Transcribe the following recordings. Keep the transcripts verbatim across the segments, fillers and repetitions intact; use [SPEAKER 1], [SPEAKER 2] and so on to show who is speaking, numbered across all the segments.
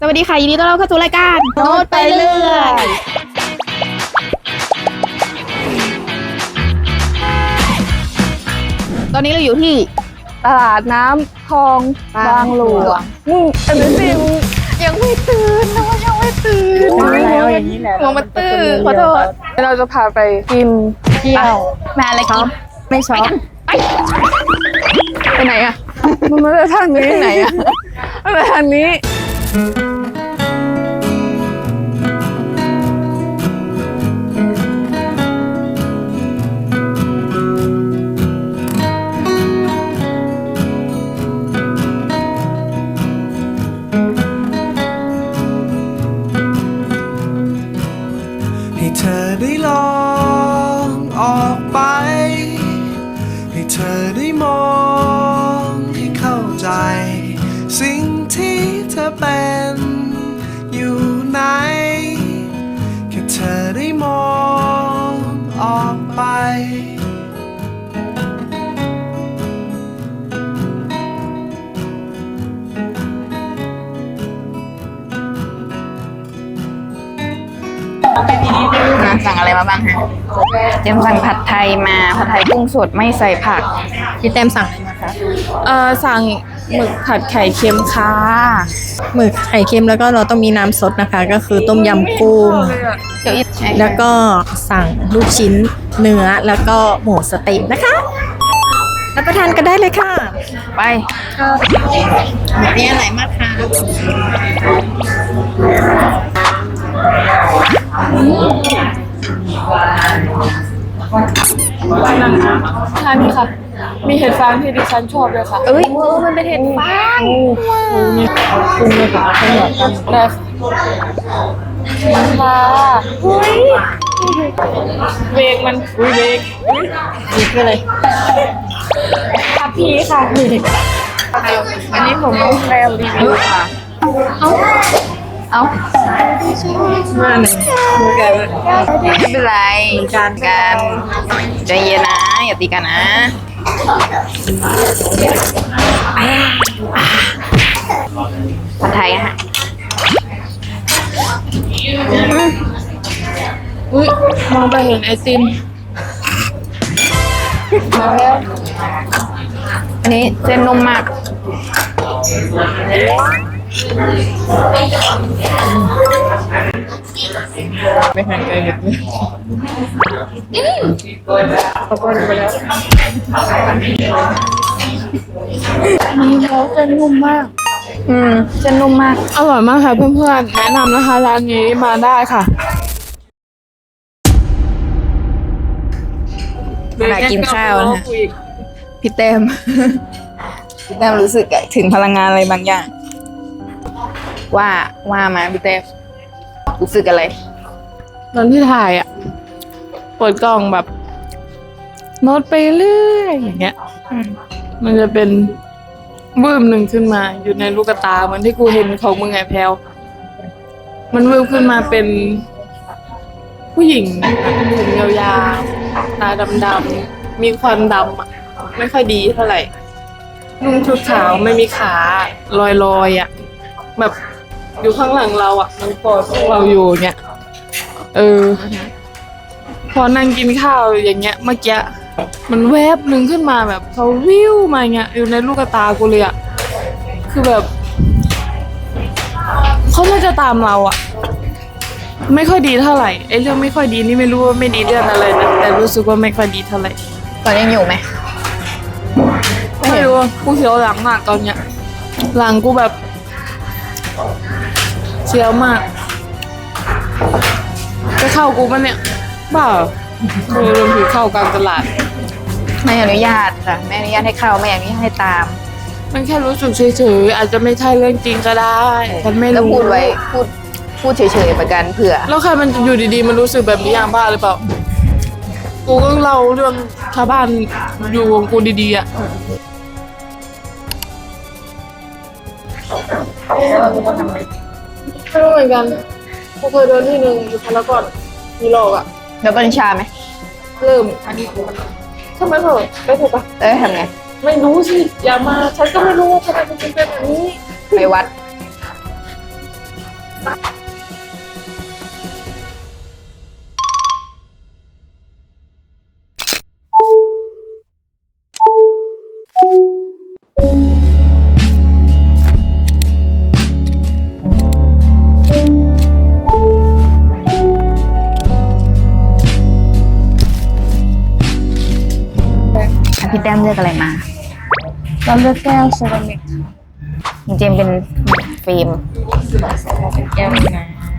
[SPEAKER 1] สวัสดีค่ะยินดีต้อนรับเข้าสู่รายการโน้ตไปเรื่อยตอนนี้เราอยู่ที่ตลาดน้ำคลองบางหลวงมึงอันนี้สิมึงยังไม่ตื่นนะว่ายังไม่ตื่น
[SPEAKER 2] แล้วอย่างนี้แหละ
[SPEAKER 1] หัวมันตื่นขอโทษเราจะพาไปกินเที่ยวมาอะไรกินไม่ชอบไปไปไหนอะมันไม่ได้ทางนี้ไหนอะมันไปทางนี้
[SPEAKER 3] ให้เธอได้ลองออกไปให้เธอได้มองให้เข้าใจสิ่งที่เธอเป็นอยู่ไหนแค่เธอได้มองออกไป
[SPEAKER 1] นะสั่งอะไรมาบ้างฮะเจมสั่งผัดไทยมาผัดไทยกุ้งสดไม่ใส่ผักพี่เต็มสั่งอะไรมาคะเอ่อสั่งหมึกผัดไข่เค็มค่ะ
[SPEAKER 2] หมึกไข่เค็มแล้วก็เราต้องมีน้ำซดนะคะ ก็คือต้มยำกุ้ง
[SPEAKER 1] เดี๋ยวอีก
[SPEAKER 2] แล้วก็สั่งลูกชิ้นเนื้อแล้วก็หมูสเต๊กนะคะรับประทานกันได้เลยค่ะ
[SPEAKER 1] ไปมีอะไรมากคะ
[SPEAKER 4] ทานค่ะ มีเห็ดฟางที่ดิฉันชอบเลยค่ะ
[SPEAKER 1] เอ้ยเออมันเป็นเห็ดฟาง
[SPEAKER 4] นี่ปรุงเลยค่ะขนมกันได้ค่ะเฮ้ยเบรกมันอุ้ยเบรกนี่คืออะไรทับพีค่ะเบรก
[SPEAKER 1] วันนี้ผมน้องแพรวรีวิวค่ะเอาเอา
[SPEAKER 2] มาหนึ่งมือกัน
[SPEAKER 1] ไม่เป็นไรกันกันใจเย็นนะอย่าตีกันนะผัดไทยนะฮะ
[SPEAKER 4] อุ้ยมองไปเห็นไอติมมาแล้ว
[SPEAKER 1] อันนี้เส้นนุ่มมาก
[SPEAKER 4] ไม่หันใจเห็นเลยเขาก็ดูไปแล้วนี่เขาเส้นนุ่มมาก
[SPEAKER 1] อืมเส้นนุ่มมาก
[SPEAKER 4] อร่อยมากค่ะเพื่อนๆแนะนำนะคะร้านนี้มาได้ค่ะ
[SPEAKER 1] มากินข้าวนะฮะพี่เต้ม พี่เต้มรู้สึกถึงพลังงานอะไรบางอย่าง ว่าว่ามาพี่เต้มรู้สึกอะไร
[SPEAKER 4] ตอนที่ถ่ายอ่ะเปิดกล้องแบบโน้ตไปเรื่อยอย่างเงี้ยมันจะเป็นวืมหนึ่งขึ้นมาอยู่ในลูกตาเหมือนที่กูเห็นของมึงไงแพลวมันวืมขึ้นมาเป็นผู้หญิงผมยาวๆตาดำๆมีควันดำอ่ะไม่ค่อยดีเท่าไหร่นุ่งชุดขาวไม่มีขาลอยๆอ่ะแบบอยู่ข้างหลังเราอ่ะมันกอดพวกเราอยู่เนี่ยเออพอนั่งกินข้าวอย่างเงี้ยเมื่อกี้มันแวบหนึ่งขึ้นมาแบบเขาวิวมาเงี้ยอยู่ในลูกตากูเลยอ่ะคือแบบเขาน่าจะตามเราอ่ะไม่ค่อยดีเท่าไหร่ไอ้เรื่องไม่ค่อยดีนี่ไม่รู้ว่าไม่ดีเรื่องอะไรนะแต่รู้สึกว่าไม่ค่อยดีเท่าไหร่
[SPEAKER 1] ตอนยังอยู่ไหม
[SPEAKER 4] ไม่รู้กูเสียวหลังมากตอนเนี้ยหลังกูแบบเสียวมากจะเข้ากูมันเนี่ยบ้าโดนโดนผีเข้ากลางตลาด
[SPEAKER 1] ไม่อนุญาตค่ะไม่อนุญาตให้เข้าไม่อนุญาตให้ตาม
[SPEAKER 4] มันแค่รู้สึกเฉยๆอาจจะไม่ใช่เรื่องจริงก็ได้ฉันไม่
[SPEAKER 1] แล้ว
[SPEAKER 4] รู้
[SPEAKER 1] พูดไว้พูดพูดเฉยๆเหมือนกันเผื่อ
[SPEAKER 4] แล้วใครมันจะอยู่ดีๆมันรู้สึกแบบนี้อย่างบ้าหรือเปล่ากูก็เล่าเรื่องชาวบ้านอยู่ของกูดีๆอ่ะไม่รู้เหมือนกันกูเคยเดินที่หนึ่งอยู่พารากอนมีหลอกอ่ะ
[SPEAKER 1] แล้วกัญชาไหม
[SPEAKER 4] เริ่มทำไมเถอะไปเถอะปะ
[SPEAKER 1] เอ้ยทำไง
[SPEAKER 4] ไม่รู้สิอย่ามาฉันก็ไม่รู้ว่าทำไมมันเป็นแบบนี้
[SPEAKER 1] ไปวัด
[SPEAKER 5] พี่แต้มเลือกอะไรมา
[SPEAKER 1] เราเลือกแก้วเซรามิก
[SPEAKER 5] จริงๆเป็นฟิล์ม
[SPEAKER 2] เป็นแก้วนะ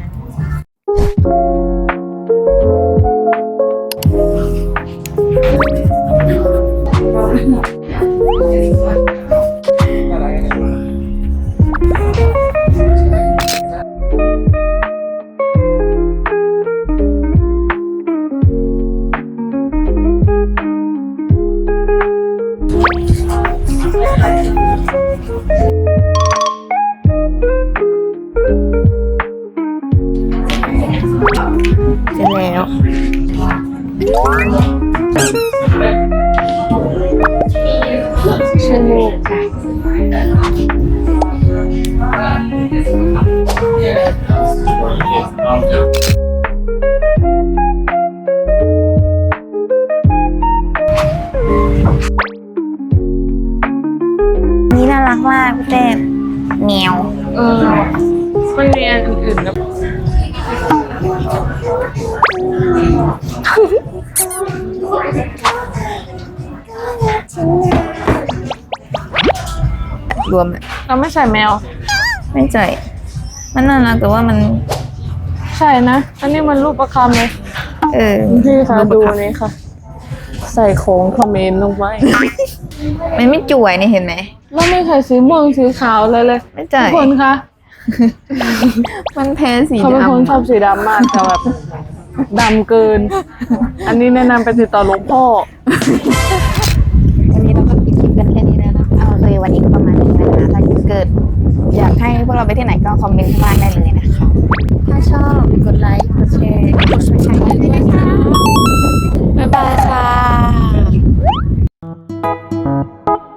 [SPEAKER 5] เสร็จแล้ว
[SPEAKER 1] ชื่อลูกค่ะ
[SPEAKER 5] นี่น่ารักมากพี่แต้มแมว
[SPEAKER 4] เออมันมีอันอื่นๆนะ
[SPEAKER 5] รวม
[SPEAKER 4] เราไม่ใส่แมว
[SPEAKER 5] ไม่ใจมันน่ารักแต่ว่ามัน
[SPEAKER 4] ใช่นะ อันนี้มันรูปประคำเลย
[SPEAKER 5] เออ
[SPEAKER 4] พี่คะ
[SPEAKER 5] รูป
[SPEAKER 4] ดู
[SPEAKER 5] ประคำ
[SPEAKER 4] นี่ค่ะ ใส่ของคอมเมนต์ลงไป
[SPEAKER 5] มันไม่จ่วยนี่เห็นไหม
[SPEAKER 4] แล้วไม่ใส่สีม่วงสีขาวเลยเลย
[SPEAKER 5] ไม่ใจ
[SPEAKER 4] ทุกคนคะ
[SPEAKER 5] มันแพ้สี
[SPEAKER 4] เขาเป็นคนช
[SPEAKER 5] ดำ
[SPEAKER 4] อบสีดำมากแต่แบบดำเกิน อันนี้แนะนำไปติดต่อหลวงพ่อ
[SPEAKER 5] วันนี้เราก็ปิดคลิปกันแค่นี้แล้วนะเอาเลยวันนี้ก็ประมาณนี้นะคะถ้าเกิด อยากให้พวกเราไปที่ไหนก็คอมเมนต์ข้างล่างได้เลยนะคะ ถ้าชอบกดไลค์กดแชร์กดซับสไครต์ด้วยนะคะ บ๊ายบายค่ะ